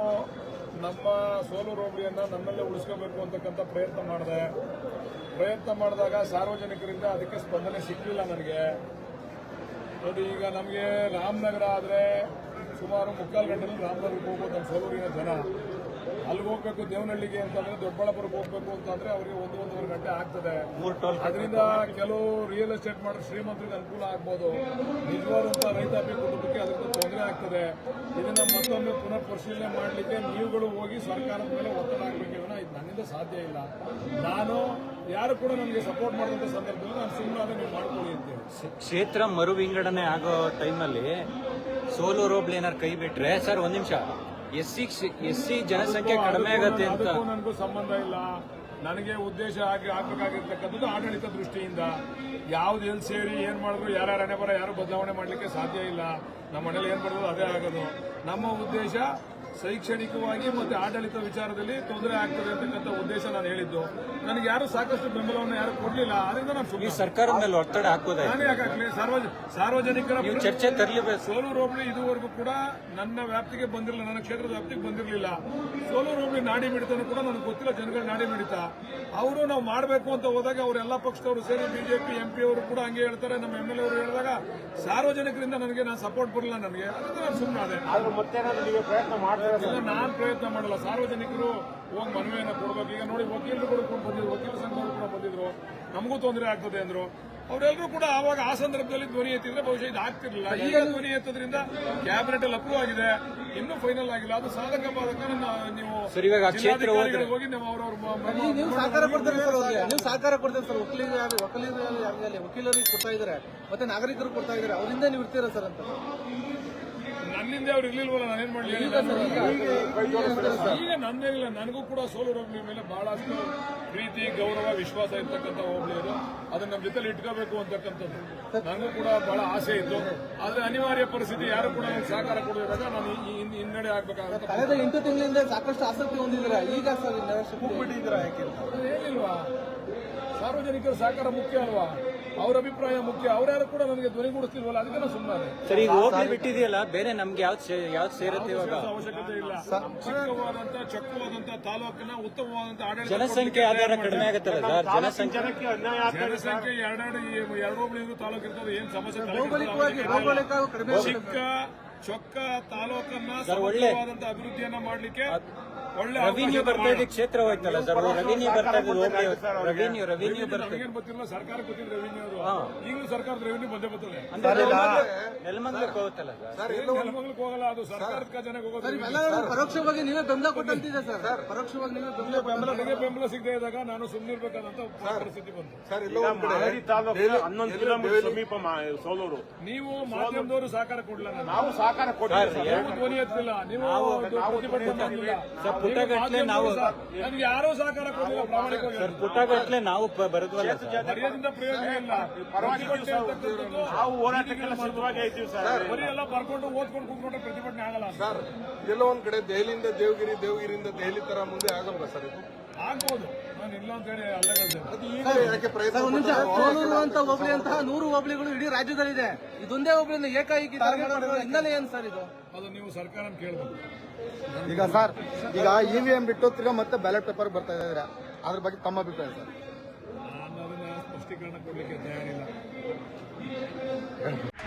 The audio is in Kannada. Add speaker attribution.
Speaker 1: ನಮ್ಮ ಸೋಲೂರು ಹೋಬಳಿಯನ್ನ ನಮ್ಮಲ್ಲೇ ಉಳಿಸ್ಕೋಬೇಕು ಅಂತಕ್ಕಂಥ ಪ್ರಯತ್ನ ಮಾಡಿದಾಗ ಸಾರ್ವಜನಿಕರಿಂದ ಅದಕ್ಕೆ ಸ್ಪಂದನೆ ಸಿಕ್ಕಲಿಲ್ಲ ನನಗೆ. ನೋಡಿ, ಈಗ ನಮಗೆ ರಾಮನಗರ ಆದರೆ ಸುಮಾರು 3/4 ಗಂಟೆಯಲ್ಲಿ ರಾಮನಗರಕ್ಕೆ ಹೋಗ್ಬೋದು ನಮ್ಮ ಸೋಲೂರಿನ ಜನ. ಅಲ್ಲಿಗೆ ಹೋಗ್ಬೇಕು ದೇವನಹಳ್ಳಿಗೆ ಅಂತಂದ್ರೆ, ದೊಡ್ಡಬಳ್ಳಾಪುರಕ್ಕೆ ಹೋಗ್ಬೇಕು ಅಂತಂದ್ರೆ ಅವರಿಗೆ 1-1.5 ಗಂಟೆ ಆಗ್ತದೆ. ಅದರಿಂದ ಕೆಲವು ರಿಯಲ್ ಎಸ್ಟೇಟ್ ಮಾಡೋ ಶ್ರೀಮಂತರಿಗೆ ಅನುಕೂಲ ಆಗ್ಬೋದು, ನಿಜವಾದಂಥ ರೈತಾಪಿ ಕುಟುಂಬಕ್ಕೆ ಅದರಿಂದ ತೊಂದರೆ ಆಗ್ತದೆ. ಇದನ್ನ ಮತ್ತೊಮ್ಮೆ ಪುನಃ ಪರಿಶೀಲನೆ ಮಾಡಲಿಕ್ಕೆ ನೀವುಗಳು ಹೋಗಿ ಸರ್ಕಾರದ ಮೇಲೆ ಒತ್ತಡ ಹಾಕಬೇಕಿದ್ರೆ ಇದು ನನ್ನಿಂದ ಸಾಧ್ಯ ಇಲ್ಲ. ನಾನು ಯಾರು ಕೂಡ ನನಗೆ ಸಪೋರ್ಟ್ ಮಾಡಿದಂಥ ಸಂದರ್ಭದಲ್ಲಿ ನಾನು ಸುಮ್ಮನೆ ನೀವು ಮಾಡ್ಕೊಳ್ಳಿ ಅಂತೇಳಿ.
Speaker 2: ಕ್ಷೇತ್ರ ಮರು ವಿಂಗಡಣೆ ಆಗೋ ಟೈಮಲ್ಲಿ ಸೋಲೂರು ಹೋಬಳಿ ಏನಾರು ಕೈ ಬಿಟ್ರೆ, ಸರ್ ಒಂದ್ ನಿಮಿಷ, ಎಸ್ಸಿ ಜನಸಂಖ್ಯೆ ಕಡಿಮೆ ಆಗತ್ತೆ ಅಂತ
Speaker 1: ನನಗೂ ಸಂಬಂಧ ಇಲ್ಲ. ನನಗೆ ಉದ್ದೇಶ ಆಗಬೇಕಾಗಿರ್ತಕ್ಕಂಥದ್ದು ಆಡಳಿತ ದೃಷ್ಟಿಯಿಂದ. ಯಾವ್ದು ಎಲ್ಲಿ ಸೇರಿ ಏನ್ ಮಾಡಿದ್ರು ಯಾರ ಹಣೆ ಬರ ಯಾರು ಬದಲಾವಣೆ ಮಾಡಲಿಕ್ಕೆ ಸಾಧ್ಯ ಇಲ್ಲ. ನಮ್ಮ ಮನೇಲಿ ಏನ್ ಮಾಡಿದ್ರು ಅದೇ ಆಗೋದು. ನಮ್ಮ ಉದ್ದೇಶ ಶೈಕ್ಷಣಿಕವಾಗಿ ಮತ್ತೆ ಆಡಳಿತ ವಿಚಾರದಲ್ಲಿ ತೊಂದರೆ ಆಗ್ತದೆ ಅಂತಕ್ಕಂಥ ಉದ್ದೇಶ ನಾನು ಹೇಳಿದ್ದು. ನನಗೆ ಯಾರು ಸಾಕಷ್ಟು ಬೆಂಬಲವನ್ನು ಯಾರು ಕೊಡ್ಲಿಲ್ಲ. ಅದರಿಂದ ನಾನು
Speaker 2: ಸರ್ಕಾರದ ಮೇಲೆ ಒತ್ತಡ ಹಾಕೋದು.
Speaker 1: ನಾನೇ ಯಾಕಾಗ್ಲಿ, ಸಾರ್ವಜನಿಕರ
Speaker 2: ಚರ್ಚೆ ತರಲೇಬೇಕು.
Speaker 1: ಸೋಲೂರು ಹೋಬಳಿ ಇದುವರೆಗೂ ಕೂಡ ನನ್ನ ವ್ಯಾಪ್ತಿಗೆ ಬಂದಿರಲಿಲ್ಲ, ನನ್ನ ಕ್ಷೇತ್ರದ ವ್ಯಾಪ್ತಿಗೆ ಬಂದಿರಲಿಲ್ಲ. ಸೋಲೂರು ಹೋಬಳಿ ನಾಡಿ ಮಿಡಿತನೂ ಕೂಡ ನನಗೆ ಗೊತ್ತಿಲ್ಲ, ಜನಗಳ ನಾಡಿ ಮಿಡಿತ. ಅವರು ನಾವು ಮಾಡಬೇಕು ಅಂತ ಹೋದಾಗ ಅವರೆಲ್ಲ ಪಕ್ಷದವರು ಸೇರಿ ಬಿಜೆಪಿ MP ಅವರು ಕೂಡ ಹಂಗೆ ಹೇಳ್ತಾರೆ, ನಮ್ಮ MLA ಅವರು ಹೇಳಿದಾಗ ಸಾರ್ವಜನಿಕರಿಂದ ನಾನು ಸಪೋರ್ಟ್ ಬರಲಿಲ್ಲ. ನನಗೆ ಅದಕ್ಕೆ ನಾನು ಸುಮ್ಮನೆ ನಾನು ಪ್ರಯತ್ನ ಮಾಡಲ್ಲ. ಸಾರ್ವಜನಿಕರು ಹೋಗಿ ಮನವಿಯನ್ನು ಕೊಡಬೇಕು. ಈಗ ನೋಡಿ, ವಕೀಲರು ಕೂಡ ಬಂದಿದ್ರು, ವಕೀಲ ಸಂಘವರು ಕೂಡ ಬಂದಿದ್ರು, ನಮಗೂ ತೊಂದರೆ ಆಗ್ತದೆ ಅಂದ್ರು. ಅವರೆಲ್ಲರೂ ಕೂಡ ಆವಾಗ ಆ ಸಂದರ್ಭದಲ್ಲಿ ಧ್ವನಿ ಎತ್ತಿದ್ರೆ ಬಹುಶಃ ಇದು ಆಗ್ತಿರ್ಲಿಲ್ಲ. ಈಗ ಧ್ವನಿ ಎತ್ತದ್ರಿಂದ ಕ್ಯಾಬಿನೆಟ್ ಅಲ್ಲಿ ಅಪ್ರೂವ್ ಆಗಿದೆ, ಇನ್ನೂ ಫೈನಲ್ ಆಗಿಲ್ಲ. ಅದು ಸಾಧಕ ಬಾಧಕ ನೀವು ಹೋಗಿ ನಾವು
Speaker 3: ನೀವು ಸಹಕಾರ ಕೊಡ್ತೀರಿ ಸರ್, ಅವ್ರಿಗೆ ನೀವು ಸಹಕಾರ ಕೊಡ್ತೀರಿ ಸರ್. ವಕೀಲರಿಗೆ ಕೊಡ್ತಾ ಇದ್ದಾರೆ, ಮತ್ತೆ ನಾಗರಿಕರು ಕೊಡ್ತಾ ಇದ್ದಾರೆ, ಅವರಿಂದ ನೀವು ಇರ್ತೀರಾ ಸರ್ ಅಂತ.
Speaker 1: ನನ್ನಿಂದ ಅವ್ರು ಇರ್ಲಿಲ್ವಲ್ಲ, ನಾನೇನ್ ಮಾಡಲಿ. ಈಗ ನಂದೇನಿಲ್ಲ, ನನಗೂ ಕೂಡ ಸೋಲೂರು ಹೋಬಳಿ ಮೇಲೆ ಬಹಳಷ್ಟು ಪ್ರೀತಿ, ಗೌರವ, ವಿಶ್ವಾಸ ಇರ್ತಕ್ಕಂಥ ಹೋಬಳಿ ಅದು. ಅದನ್ನ ನಮ್ಮ ಜೊತೆಲಿ ಇಟ್ಕೋಬೇಕು ಅಂತಕ್ಕಂಥದ್ದು ನನಗೂ ಕೂಡ ಬಹಳ ಆಸೆ ಇತ್ತು. ಆದ್ರೆ ಅನಿವಾರ್ಯ ಪರಿಸ್ಥಿತಿ, ಯಾರು ಕೂಡ ನನಗೆ ಸಹಕಾರ ಕೊಡೋದಾಗ ನಾನು ಹಿನ್ನಡೆ ಆಗ್ಬೇಕಾಗುತ್ತೆ.
Speaker 3: ಕಳೆದ 8 ತಿಂಗಳಿಂದ ಸಾಕಷ್ಟು ಆಸಕ್ತಿ ಹೊಂದಿದ್ದೀರಾ, ಈಗ ಸರ್ ಬಿಟ್ಟಿದ್ದೀರಾ ಯಾಕೆ?
Speaker 1: ಏನಿಲ್ವಾ, ಸಾರ್ವಜನಿಕರ ಸಹಕಾರ ಮುಖ್ಯ ಅಲ್ವಾ, ಅವ್ರ ಅಭಿಪ್ರಾಯ ಮುಖ್ಯ. ಅವ್ರ್ಯಾರು ಕೂಡ ನನಗೆ ಧ್ವನಿಗೂಡಿಸ್ತಿಲ್ವಲ್ಲ, ಅದಕ್ಕೆ ನಾನು ಸುಮ್ಮನೆ.
Speaker 2: ಸರಿ, ಹೋಗ್ಲಿ ಬಿಟ್ಟಿದೆಯಲ್ಲ, ಬೇರೆ ನಮ್ಗೆ ಯಾವ್ದು ಸೇರುತ್ತೆ ಇವಾಗ?
Speaker 1: ಅವಶ್ಯಕತೆ ಇಲ್ಲ. ಚೊಕ್ಕವಾದಂತ ತಾಲೂಕಿನ ಉತ್ತಮವಾದಂತ ಆಡಳಿತ.
Speaker 2: ಜನಸಂಖ್ಯೆ ಆಧಾರ ಕಡಿಮೆ ಆಗುತ್ತಲ್ಲ ಸರ್, ಜನಸಂಖ್ಯೆ
Speaker 1: 2 ಹೋಬಳಿ ತಾಲೂಕು ಇರ್ತದೆ, ಏನ್ ಸಮಸ್ಯೆ. ಚಿಕ್ಕ ಚೊಕ್ಕ ತಾಲೂಕನ್ನ ಸಮಗ್ರವಾದಂತ ಅಭಿವೃದ್ಧಿಯನ್ನ ಮಾಡ್ಲಿಕ್ಕೆ ಒಳ್ಳೆ
Speaker 2: ರೆವಿನ್ಯೂ ಬರ್ತಾ ಇದೆ. ಕ್ಷೇತ್ರ ಹೋಯ್ತಲ್ಲ ಸರ್, ರೆವಿನ್ಯೂ ಬರ್ತಾ ಇದೆ. ರೆವಿನ್ಯೂ ಬರ್ತಾ ಇದೆ.
Speaker 1: ಗೊತ್ತಿಲ್ಲ, ಸರ್ಕಾರ ಗೊತ್ತಿಲ್ಲ ರೆವಿನ್ಯೂ. ಈಗಲೂ ಸರ್ಕಾರದ ರೆವಿನ್ಯೂ ಬಂದೇ ಬರ್ತದೆ.
Speaker 2: ನೆಲಮಂಗಲಕ್ಕೆ ಹೋಗುತ್ತಲ್ಲ ಸರ್,
Speaker 1: ನೆಲಮಂಗಲಕ್ಕೆ ಹೋಗಲ್ಲ, ಅದು ಸರ್ಕಾರದ ಖಜಾನೆಗೆ ಹೋಗೋದು.
Speaker 3: ಪರೋಕ್ಷವಾಗಿ ನೀವೇ ಬೆಂಬಲ ಕೊಟ್ಟಂತಿದೆ ಸರ್. ಪರೋಕ್ಷವಾಗಿ ನೀವೇ
Speaker 1: ಬೆಂಬಲ ಸಿಗದೆ ಇದ್ದಾಗ ನಾನು ಸುಮ್ಮನಿರ್ಬೇಕಾದಂತ ಪರಿಸ್ಥಿತಿ ಬಂತು.
Speaker 4: 11 ಕಿಲೋಮೀಟರ್ ಸಮೀಪ ಸೋಲೂರು.
Speaker 1: ನೀವು ಮಾಧ್ಯಮದವರು ಸಹಕಾರ ಕೊಡಲಿಲ್ಲ,
Speaker 4: ನಾವು ಸಹಕಾರ ಕೊಡ್ತೀವಿ.
Speaker 1: ಧ್ವನಿ ಎತ್ತಿಲ್ಲ, ನೀವು ಪ್ರತಿಭಟನೆ
Speaker 2: ಪುಟಗಟ್ಲೆ ನಾವು
Speaker 1: ನಮ್ಗೆ ಯಾರೂ ಸಹಕಾರ ಕೊಡಲಿಲ್ಲ. ಪ್ರಾಮಾಣಿಕವಾಗಿ
Speaker 2: ಪುಟಗಟ್ಲೆ ನಾವು ಬರೆದ್ವಲ್ಲ,
Speaker 1: ಬರೆಯೋದ್ರಿಂದ ಪ್ರಯೋಜನ ಇಲ್ಲ.
Speaker 4: ನಾವು ಹೋರಾಟಕ್ಕೆಲ್ಲ ಸಿದ್ಧವಾಗಿ ಇದ್ದೀವಿ ಸರ್.
Speaker 1: ಬರೀ ಎಲ್ಲ ಬರ್ಕೊಂಡು ಓದ್ಕೊಂಡು ಕೂತ್ಕೊಂಡ್ರೆ ಪ್ರತಿಭಟನೆ ಆಗಲ್ಲ
Speaker 5: ಸರ್. ಎಲ್ಲೋ ಒಂದ್ ಕಡೆ ದೆಹಲಿಯಿಂದ ದೇವಗಿರಿ, ದೇವಗಿರಿಯಿಂದ ದೆಹಲಿ ತರ ಮುಂದೆ ಆಗಲ್ವಾ ಸರ್? ಇದು
Speaker 1: ಆಗ್ಬೋದು, ನಾನು ಇಲ್ಲ ಅಂತ ಹೇಳಿ
Speaker 3: ಸೋಲೂರು ಅಂತ ಹೋಬಳಿ ಅಂತಹ 100 ಹೋಬಳಿಗಳು ಇಡೀ ರಾಜ್ಯದಲ್ಲಿದೆ. ಇದೊಂದೇ ಹೋಬಳಿಯಿಂದ ಏಕಾಏಕಿ ಹಿನ್ನೆಲೆ ಏನು ಸರ್ ಇದು?
Speaker 1: ಅದು ನೀವು ಸರ್ಕಾರ ಕೇಳಬೇಕು.
Speaker 5: ಈಗ ಸರ್, ಈಗ EVM ಬಿಟ್ಟು ತಿರ್ಗಾ ಮತ್ತೆ ಬ್ಯಾಲೆಟ್ ಪೇಪರ್ ಬರ್ತಾ ಇದ್ದಾರೆ, ಅದ್ರ ಬಗ್ಗೆ ತಮ್ಮ ಅಭಿಪ್ರಾಯ ಸರ್?
Speaker 1: ನಾನು ಅದನ್ನ ಸ್ಪಷ್ಟೀಕರಣ ಕೊಡ್ಲಿಕ್ಕೆ ತಯಾರಿಲ್ಲ.